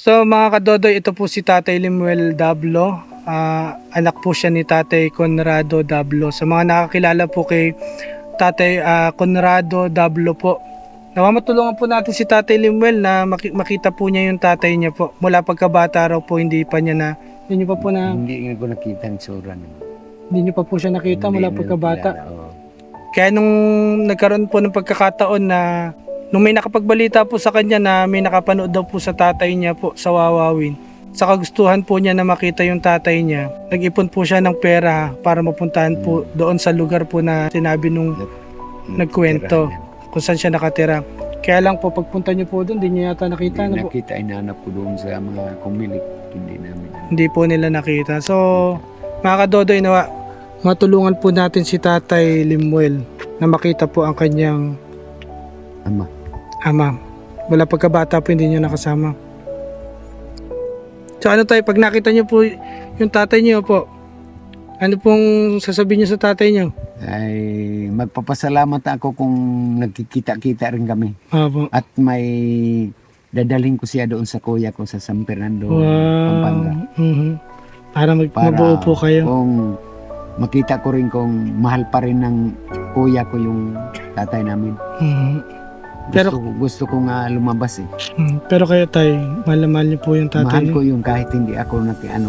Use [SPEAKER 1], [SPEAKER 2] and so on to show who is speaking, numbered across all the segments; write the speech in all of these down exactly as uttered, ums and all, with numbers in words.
[SPEAKER 1] So mga kadodoy, ito po si Tatay Limuel Dablo. Ah, anak po siya ni Tatay Conrado Dablo. Sa mga nakakilala po kay Tatay ah, Conrado Dablo po, nawa matulungan po natin si Tatay Limuel na maki- makita po niya yung tatay niya po. Mula pagkabata raw po, hindi pa niya na, hindi niyo pa po na,
[SPEAKER 2] Hindi ko nakita ang sura niya.
[SPEAKER 1] hindi niyo pa po siya nakita
[SPEAKER 2] Hindi
[SPEAKER 1] mula
[SPEAKER 2] na
[SPEAKER 1] pagkabata.
[SPEAKER 2] nakilala, oo.
[SPEAKER 1] Kaya nung nagkaroon po ng pagkakataon na nung may nakapagbalita po sa kanya na may nakapanood daw po sa tatay niya po sa Wawawin, sa kagustuhan po niya na makita yung tatay niya, nag-ipon po siya ng pera para mapuntahan po doon sa lugar po na sinabi nung nagkwento kung saan siya nakatira. Kaya lang po pagpunta niyo po doon, hindi niyo yata nakita.
[SPEAKER 2] Hindi
[SPEAKER 1] Ano po?
[SPEAKER 2] nakita, inanap ko doon sa mga kumilik. Hindi namin.
[SPEAKER 1] Hindi po nila nakita. So, mga kadodoy, nawa, matulungan po natin si Tatay Limuel na makita po ang kanyang
[SPEAKER 2] Ama.
[SPEAKER 1] ama. Wala pagkabata po, hindi niyo nakasama. So ano tayo, pag nakita niyo po yung tatay niyo po, ano pong sasabihin niyo sa tatay niyo?
[SPEAKER 2] Ay magpapasalamat ako kung nagkikita-kita rin kami.
[SPEAKER 1] Opo.
[SPEAKER 2] At may dadalhin ko siya doon sa kuya ko sa San Fernando,
[SPEAKER 1] Wow.
[SPEAKER 2] Pampanga.
[SPEAKER 1] Mhm. Para mag
[SPEAKER 2] Para
[SPEAKER 1] mabuo po kayo.
[SPEAKER 2] Kung makita ko rin kung mahal pa rin ng kuya ko yung tatay namin.
[SPEAKER 1] Mhm.
[SPEAKER 2] Gusto,
[SPEAKER 1] Pero-
[SPEAKER 2] ko- gusto ko nga lumabas eh.
[SPEAKER 1] Mhm. Pero kayo tay, mahal na mahal niyo po yung tatay
[SPEAKER 2] Mahal ko
[SPEAKER 1] niyo.
[SPEAKER 2] yung kahit hindi ako naki ano.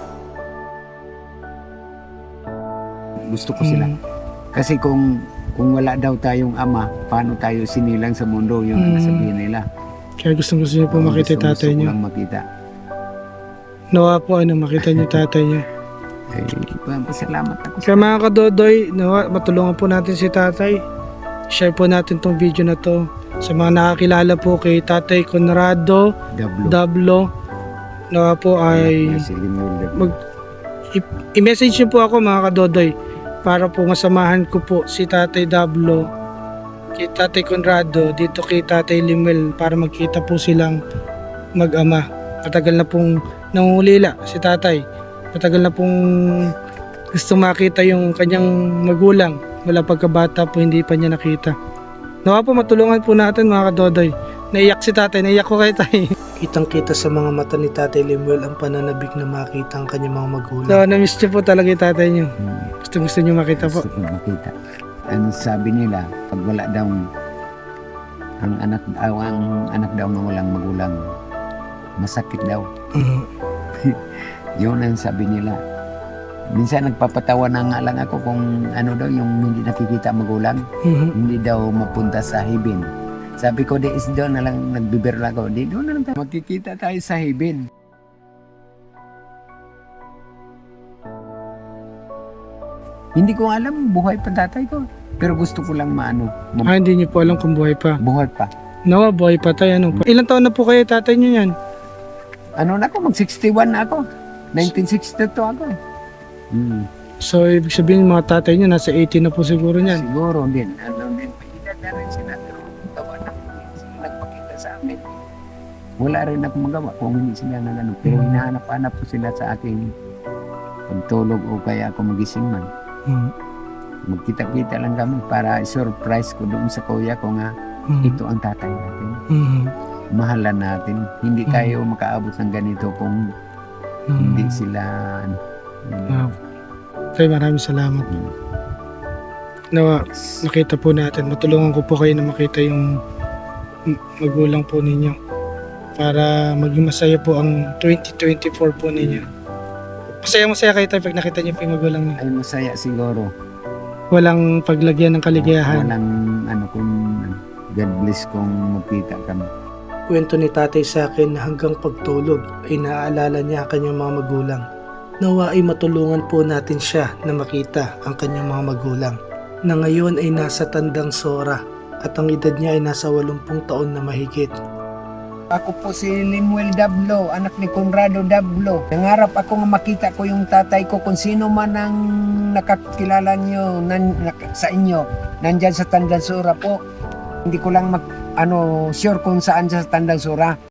[SPEAKER 2] Gusto ko sila.
[SPEAKER 1] Mhm.
[SPEAKER 2] Kasi kung kung wala daw tayong ama, paano tayo sinilang sa mundo, yung
[SPEAKER 1] Mm.
[SPEAKER 2] nasabihin nila.
[SPEAKER 1] Kaya gustong gusto niyo po
[SPEAKER 2] Oo,
[SPEAKER 1] makita yung
[SPEAKER 2] gusto-
[SPEAKER 1] tatay
[SPEAKER 2] gusto ko
[SPEAKER 1] niyo.
[SPEAKER 2] lang makita.
[SPEAKER 1] Nawa po ano, makita niyo yung tatay niyo.
[SPEAKER 2] Ay, pasalamat ako.
[SPEAKER 1] Kaya mga kadodoy, nawa, matulungan po natin si tatay. Share po natin tong video na to sa mga nakakilala po kay Tatay Conrado
[SPEAKER 2] Dablo.
[SPEAKER 1] Dablo. Nawa po ay
[SPEAKER 2] Si Limuel Dablo.
[SPEAKER 1] mag i- i-message niyo po ako mga kadodoy para po masamahan ko po si Tatay Dablo kay Tatay Conrado dito kay Tatay Limuel para magkita po silang mag-ama. Matagal na pong nangungulila si tatay. Matagal na pong gusto makita yung kanyang magulang. Wala pagkabata po, hindi pa niya nakita. Nawa po matulungan po natin mga kadodoy. Naiyak si tatay, naiyak ko kay tay. Kitang kita sa mga mata ni Tatay Limuel ang pananabik na makita ang kanyang mga magulang. So, na-miss niyo po talaga yung tatay niyo.
[SPEAKER 2] Hmm,
[SPEAKER 1] Gusto gusto niyo makita po.
[SPEAKER 2] Gusto ko makita. Ang sabi nila, pag wala daw ang anak daw, ang anak daw na walang magulang, masakit daw.
[SPEAKER 1] Mhm.
[SPEAKER 2] Yun ang sabi nila. Minsan nagpapatawa na nga lang ako kung ano daw yung hindi nakikita magulang,
[SPEAKER 1] Mhm.
[SPEAKER 2] hindi daw mapunta sa heaven. Sabi ko, di is doon na lang nagbibiro ako. Di doon na lang tayo. Magkikita tayo sa heaven. Hindi ko alam, buhay pa tatay ko. Pero gusto ko lang maano, ma-
[SPEAKER 1] Ah, hindi niyo po alam kung buhay pa.
[SPEAKER 2] buhay pa.
[SPEAKER 1] Nawa, buhay pa tayo. Ano pa? Ilang taon na po kayo tatay niyo yan?
[SPEAKER 2] Ano na ako, mag sixty-one na ako. nineteen sixty-two ako. Hmm.
[SPEAKER 1] So, ibig sabihin mga tatay niyo nasa eighty na po siguro niyan.
[SPEAKER 2] Siguro din. Ano din, may edad na rin sila. Pero tawa na sila nagpakita sa amin. Wala rin ako magawa kung hindi sila na gano'n. Pero
[SPEAKER 1] Mm.
[SPEAKER 2] hinahanap-hanap ko sila sa aking pagtulog o kaya ako magising man.
[SPEAKER 1] Mhm.
[SPEAKER 2] Magkita-kita lang kami para surprise ko doon sa kuya ko nga
[SPEAKER 1] Mhm.
[SPEAKER 2] ito ang tatay natin.
[SPEAKER 1] Mhm.
[SPEAKER 2] Mahalan natin. Hindi
[SPEAKER 1] Mm.
[SPEAKER 2] tayo makaabot ng ganito kung
[SPEAKER 1] Mhm.
[SPEAKER 2] hindi sila ano,
[SPEAKER 1] Ah, tay, maraming salamat.
[SPEAKER 2] mm.
[SPEAKER 1] Nawa, nakita po natin. Matulungan ko po kayo na makita yung m- magulang po ninyo para maging masaya po ang twenty twenty-four po ninyo. Masaya-masaya kayo tayo pag nakita niyo po yung magulang niyo.
[SPEAKER 2] Ay masaya siguro.
[SPEAKER 1] Walang paglagyan ng kaligayahan.
[SPEAKER 2] Walang ano kung God bless kung magkita kami.
[SPEAKER 1] Kwento ni tatay sa akin na hanggang pagtulog ay naaalala niya ang kanyang mga magulang. Nawa ay matulungan po natin siya na makita ang kanyang mga magulang na ngayon ay nasa tandang sora at ang edad niya ay nasa walumpung taon na mahigit.
[SPEAKER 2] Ako po si Limuel Dablo, anak ni Conrado Dablo. Nangarap ako nga makita ko yung tatay ko kung sino man ang nakakilala nyo nan, nak- sa inyo. Nandyan sa Tandansura po. Hindi ko lang mag, ano, sure kung saan sa Tandansura.